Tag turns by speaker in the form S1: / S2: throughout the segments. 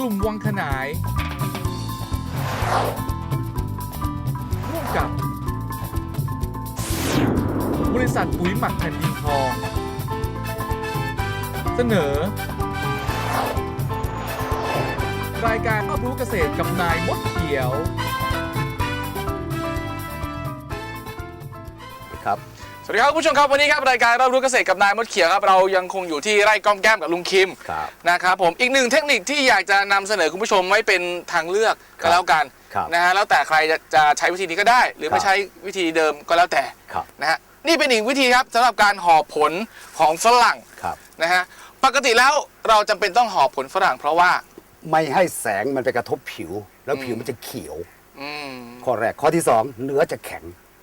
S1: สุ่มวังขนายร่วมกับบริษัทปุ๋ยหมักแผ่นดินทองเสนอรายการรอบรู้เกษตรกับนายมดเขียว
S2: ครับ
S3: สวัสดีครับคุณผู้ชมครับวันนี้ครับรายการรอบรู้เกษตรกับนายมดเขียวครับเรายังคงอยู่ที่ไร่ก้อมแก้มกับลุงคิมนะครับผมอีกหนึ่งเทคนิคที่อยากจะนำเสนอคุณผู้ชมไว้เป็นทางเลือกก็แล้วกันนะฮะแล้วแต่ใครจะใช้วิธีนี้ก็ได้หรือไม่ใช้วิธีเดิมก็แล้วแต่นะฮะนี่เป็นอีกวิธีครับสำหรับการห่อผลของฝรั่งนะฮะปกติแล้วเราจำเป็นต้องห่อผลฝรั่งเพราะว่า
S2: ไม่ให้แสงมันไปกระทบผิวแล้วผิวมันจะเขียวข้อแรกข้อที่2เนื้อจะแข็ง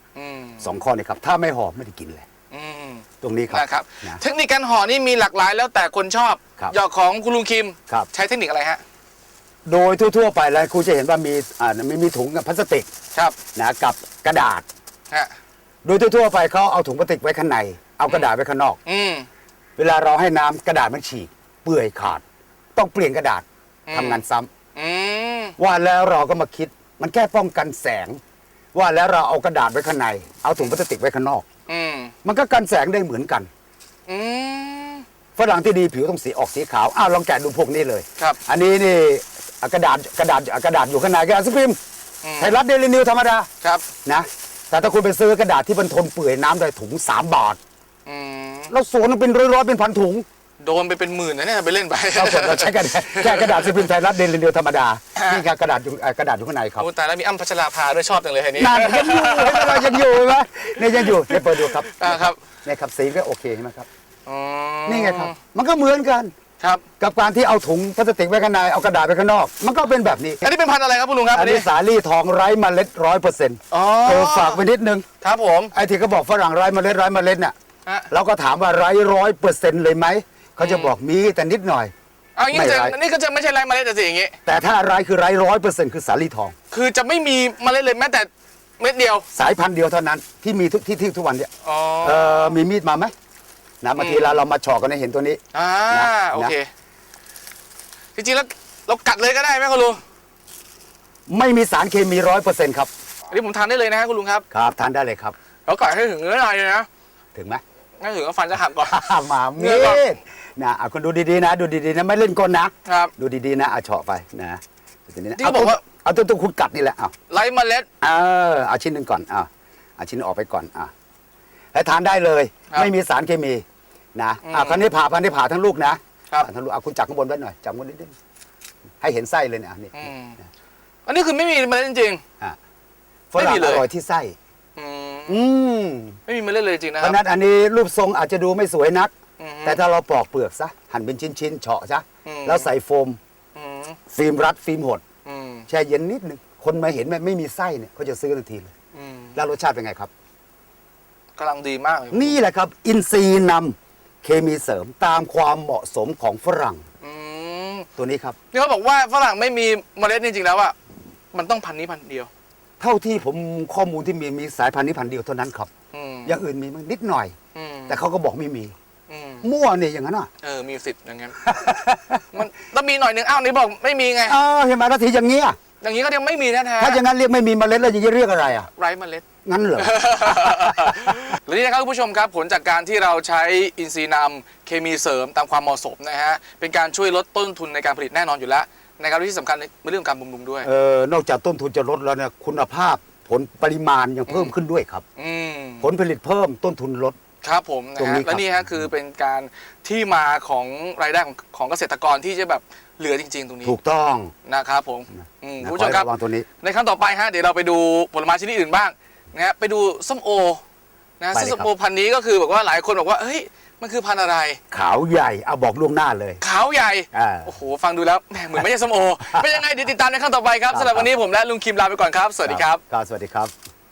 S2: 2ข้อนี้ครับถ้าไม่ห่อไม่ได้กินเลยตรงนี้ครับ
S3: นะครับเทคนิคการห่อนี่มีหลากหลายแล้วแต่คนชอบหยอกของคุณลุงคิมใช้เทคนิคอะไรฮะ
S2: โดยทั่วๆไปแล้วคุณจะเห็นว่ามีถุงกับพลาสติกนะกับกระดาษโดยทั่วๆไปเขาเอาถุงพลาสติกไว้ข้างในเอากระดาษไว้ข้างนอกเวลาเราให้น้ำกระดาษมันฉีกเปื่อยขาดต้องเปลี่ยนกระดาษทำงานซ้ำว่าแล้วเราก็มาคิดมันแค่ป้องกันแสงว่าแล้วเราเอากระดาษไว้ข้างในเอาถุงพลาสติกไว้ข้างนอกมันก็กันแสงได้เหมือนกันฝรั่งที่ดีผิวต้องสีออกสีขาวลองแกะดูพวกนี้เลยอันนี้นี่กระดาษอยู่ข้างในกระดาษสปริมไทยรัฐเดลินิวธรรมดานะแต่ถ้าคุณไปซื้อกระดาษที่มันทนเปื่อยน้ำได้ถุง3 บาทแล้วสวนมันเป็นร้อยเป็นพันถุง
S3: โดนไปเป็นหมื่นนะเนี่ยไปเล่นไป
S2: เราใช้กันแค่กระดาษสปริมไทยรัฐเดลินิวธรรมดานี่กระดาษอยู่ข้างในครับ
S3: แต่แล้วมีอ้ำพัชราภาด้วยชอบจังเลยนี้
S2: ยังอยู่ไหมเนี่ยยังอยู่เนี่ยเปิดดูครับ
S3: ครับ
S2: เนี่ยครับสีก็โอเคใช่ไหมครับนี่ไงครับมันก็เหมือนกันกับการที่เอาถุงพลาสติกไว้ข้างในเอากระดาษไว้ข้างนอกมันก็เป็นแบบนี้
S3: อันนี้เป็นพันธุ์อะไรครับคุณลุงครับ
S2: อันนี้สาลี่ทองไร้เมล็ด100%ฝากไว้นิดนึง
S3: ครับผม
S2: ไอ้ที่เขาบอกฝรั่งไร้เมล็ดเนี่ยเราก็ถามว่าไร้100%เลยไหมเขาจะบอกมีแต่นิดหน่อย
S3: อย่างนี้ก็จะไม่ใช่ไร้เมล็ดแต่สิอย่างนี้
S2: แต่ถ้าไร้คือไร้100%คือสาลี่ทอง
S3: คือจะไม่มีเมล็ดเลยแม้แต่เม็ดเดียว
S2: สายพันธุ์เดียวเท่านั้นที่มีทุกวันเนี่ยมีมีดมาไหมนะบางทีเรามาเฉาะกันให้เห็นตัวนี้
S3: โอเคจริงๆแล้วเรากัดเลยก็ได้ไหมคุณลุง
S2: ไม่มีสารเคมี100%ครับ
S3: อันนี้ผมทานได้เลยนะคุณลุงครับ
S2: ครับทานได้เลยครับ
S3: เรากัดให้ถึงเนื้อในเลยนะ
S2: ถึงไหม
S3: ไม่ถึงก็ฟันจะหักก่อน
S2: มามีดนะคุณดูดีๆนะดูดีๆนะไม่เล่นกลนะครับดูดีๆนะเฉาะไปนะ
S3: ที่เขาบอกว่า
S2: เอาตัวคุณกัดนี่แหละ
S3: ไร้เมล็ด
S2: เอาชิ้นหนึ่งก่อนเอาชิ้นออกไปก่อนแล้วทานได้เลยไม่มีสารเคมีนะคราวนี้ผ่าทั้งลูกนะทั้งลูกคุณจับข้างบนไว้หน่อยจับข้างบนนิดนึงให้เห็นไส้เลยเนี่ยนี่
S3: อันนี้คือไม่มีเมล็ดจริง
S2: ฝรั่งอร่อยที่ไส้
S3: ไม่มีเมล็ดเลยจริงนะค
S2: รับเพราะนั้นอันนี้รูปทรงอาจจะดูไม่สวยนักแต่ถ้าเราปอกเปลือกซะหั่นเป็นชิ้นๆเฉาะซะแล้วใส่โฟมฟิล์มรัดฟิล์มหดแช่เย็นนิดนึงคนมาเห็นไม่มีไส้เนี่ยเขาจะซื้อทันทีเลยแล้วรสชาติเป็นไงครับ
S3: กำลังดีมากเลย
S2: นี่แหละครับอินทรีย์นำเคมีเสริมตามความเหมาะสมของฝรั่งตัวนี้ครับ
S3: นี่เขาบอกว่าฝรั่งไม่มีเมล็ดจริงๆแล้วอ่ะมันต้องพันนี้พันเดียว
S2: เท่าที่ผมข้อมูลที่มีสายพันธุ์นี้พันเดียวเท่านั้นครับอย่างอื่นมีมั้งนิดหน่อยแต่เขาก็บอกไม่มีมั่วเนี่ยอย่างนั้น
S3: มีสิทธิ์อย่างนั้นมันต้องมีหน่อยนึงนี่บอกไม่มีไง
S2: เห็นไหมนาทีอย่างนี้
S3: อย่างนี้ก็ยังไม่มีแท้
S2: ๆถ้าอย่างนั้นเรียกไม่มีเมล็ดแล้วอย่างนี้เรียกอะไร
S3: ไร้เมล็ด
S2: งั้นเหรอ
S3: และนี่นะครับคุณผู้ชมครับผลจากการที่เราใช้อินทรีย์นำเคมีเสริมตามความเหมาะสมนะฮะเป็นการช่วยลดต้นทุนในการผลิตแน่นอนอยู่แล้วนะครับที่สำคัญในเรื่องการบำรุงด้วย
S2: นอกจากต้นทุนจะลดแล้วเนี่ยคุณภาพผลปริมาณยังเพิ่มขึ้นด้วยครับผลผลิตเพิ่มต้นทุนลด
S3: ครับผมนะฮะและนี่ฮะคือเป็นการที่มาของรายได้ของเกษตรกรที่จะแบบเหลือจริงๆตรงนี้
S2: ถูกต้อง
S3: นะครับผมคุณผู้ชมครับในครั้งต่อไปฮะเดี๋ยวเราไปดูผลไม้ชนิดอื่นบ้างนะฮะไปดูส้มโอนะซึ่งส้มโอพันธุ์นี้ก็คือบอกว่าหลายคนบอกว่าเฮ้ยมันคือพันธุ์อะไร
S2: ขาวใหญ่เอาบอกล่วงหน้าเลย
S3: ขาวใหญ่โอ้โหฟังดูแล้วเหมือนไม่ใช่ส้มโอเป็นยังไงเดี๋ยวติดตามในครั้งต่อไปครับสำหรับวันนี้ผมและลุงคิมลาไปก่อนครับสวัสดีครับ
S2: สวัสดีครับ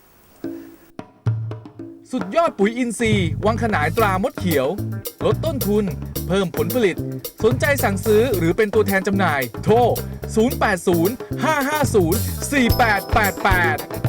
S1: สุดยอดปุ๋ยอินทรีย์วังขนายตรามดเขียวลดต้นทุนเพิ่มผลผลิตสนใจสั่งซื้อหรือเป็นตัวแทนจำหน่ายโทร 080 550 4888